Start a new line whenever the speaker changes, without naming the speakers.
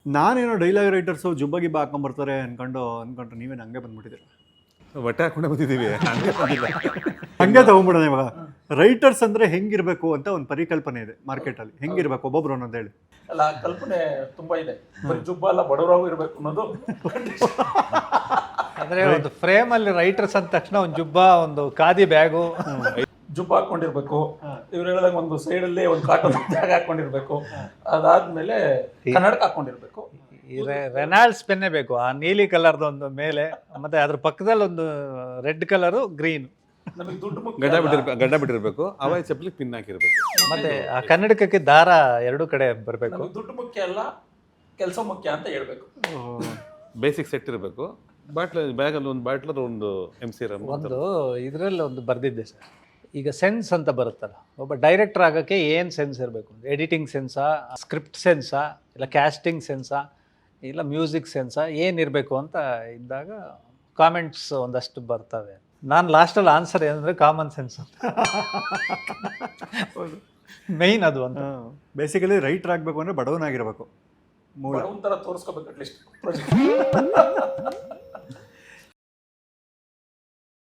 ನಾನೇನೋ dialogue writers ಜುಬ್ಬ ಗಿಬ್ಬ ಹಾಕೊಂಬರ್ತಾರೆ ಅನ್ಕೊಂಡ್ರೆ ನೀವೇನು ಹಂಗೆ ಬಂದ್ಬಿಟ್ಟಿದ್ದೀರ.
ಬಟ್ಟೆ ಹಾಕೊಂಡೆ ಬಂದಿದ್ದೀವಿ, ಹಂಗೆ ಬಂದಿಲ್ಲ.
ಹಂಗೆ ತಗೊಂಡ್ಬಿಡೋಣ ಇವಾಗ. ರೈಟರ್ಸ್ ಅಂದರೆ ಹೆಂಗಿರಬೇಕು ಅಂತ ಒಂದು ಪರಿಕಲ್ಪನೆ ಇದೆ ಮಾರ್ಕೆಟಲ್ಲಿ. ಹೆಂಗಿರಬೇಕು ಒಬ್ಬೊಬ್ರು ಅನ್ನೋದು ಹೇಳಿ.
ಅಲ್ಲ, ಆ ಕಲ್ಪನೆ ತುಂಬಾ ಇದೆ. ಬರೀ ಜುಬ್ಬ ಅಲ್ಲ, ಬಡವರಾಗೂ ಇರಬೇಕು ಅನ್ನೋದು.
ಅಂದರೆ ಒಂದು ಫ್ರೇಮಲ್ಲಿ ರೈಟರ್ಸ್ ಅಂದ ತಕ್ಷಣ ಒಂದು ಜುಬ್ಬ, ಒಂದು ಖಾದಿ ಬ್ಯಾಗು,
ಜುಬ್ಬ ಹಾಕೊಂಡಿರ್ಬೇಕು. ಇವ್ರು ಹೇಳಿದಾಗ ಒಂದು ಸೈಡಲ್ಲಿ ಒಂದು ಕಾಟನ್ ಬ್ಯಾಗ್ ಹಾಕೊಂಡಿರ್ಬೇಕು. ಅದಾದ್ಮೇಲೆ ಕನ್ನಡಕ ಹಾಕೊಂಡಿರ್ಬೇಕು.
ಈ ರೆನಾಲ್ಡ್ಸ್ ಪೆನ್ನೇ ಬೇಕು, ಆ ನೀಲಿ ಕಲರ್ದು ಒಂದು ಮೇಲೆ, ಮತ್ತೆ ಅದ್ರ ಪಕ್ಕದಲ್ಲಿ ಒಂದು ರೆಡ್ ಕಲರು, ಗ್ರೀನ್.
ನಮಗೆ ದುಡ್ಡು ಮುಖ್ಯ
ಗಡ್ಡ ಬಿಟ್ಟಿರ್ಬೇಕು, ಅವಾಗ ಚಪ್ಪಲಿಗೆ ಪಿನ್ ಹಾಕಿರ್ಬೇಕು.
ಮತ್ತೆ ಆ ಕನ್ನಡಕಕ್ಕೆ ದಾರ ಎರಡು ಕಡೆ ಬರಬೇಕು.
ನಮಗೆ ದುಡ್ಡು ಮುಖ್ಯ ಅಲ್ಲ, ಕೆಲಸ ಮುಖ್ಯ ಅಂತ ಹೇಳ್ಬೇಕು.
ಬೇಸಿಕ್ ಸೆಟ್ ಇರಬೇಕು. ಬ್ಯಾಗಲ್ಲಿ ಒಂದು ಬಾಟ್ಲರ್, ಒಂದು MC ರಮ್.
ಒಂದು ಇದರಲ್ಲಿ ಒಂದು ಬರೆದಿದ್ದೆ ಸರ್, ಈಗ ಸೆನ್ಸ್ ಅಂತ ಬರುತ್ತಲ್ಲ, ಒಬ್ಬ ಡೈರೆಕ್ಟರ್ ಆಗೋಕ್ಕೆ ಏನು ಸೆನ್ಸ್ ಇರಬೇಕು? ಎಡಿಟಿಂಗ್ ಸೆನ್ಸಾ, ಸ್ಕ್ರಿಪ್ಟ್ ಸೆನ್ಸಾ, ಇಲ್ಲ ಕ್ಯಾಸ್ಟಿಂಗ್ ಸೆನ್ಸಾ, ಇಲ್ಲ ಮ್ಯೂಸಿಕ್ ಸೆನ್ಸಾ, ಏನಿರಬೇಕು ಅಂತ ಇದ್ದಾಗ ಕಾಮೆಂಟ್ಸ್ ಒಂದಷ್ಟು ಬರ್ತವೆ. ನಾನು ಲಾಸ್ಟಲ್ಲಿ ಆನ್ಸರ್ ಏನಂದರೆ ಕಾಮನ್ ಸೆನ್ಸ್ ಅಂತ. ಮೇಯ್ನ್ ಅದು ಅಂತ.
ಬೇಸಿಕಲಿ ರೈಟರ್ ಆಗಬೇಕು ಅಂದರೆ ಬಡವನಾಗಿರ್ಬೇಕು.
ಒಂಥರ ತೋರಿಸ್ಕೋಬೇಕು ಅಟ್ಲೀಸ್ಟ್ ಪ್ರಾಜೆಕ್ಟ್.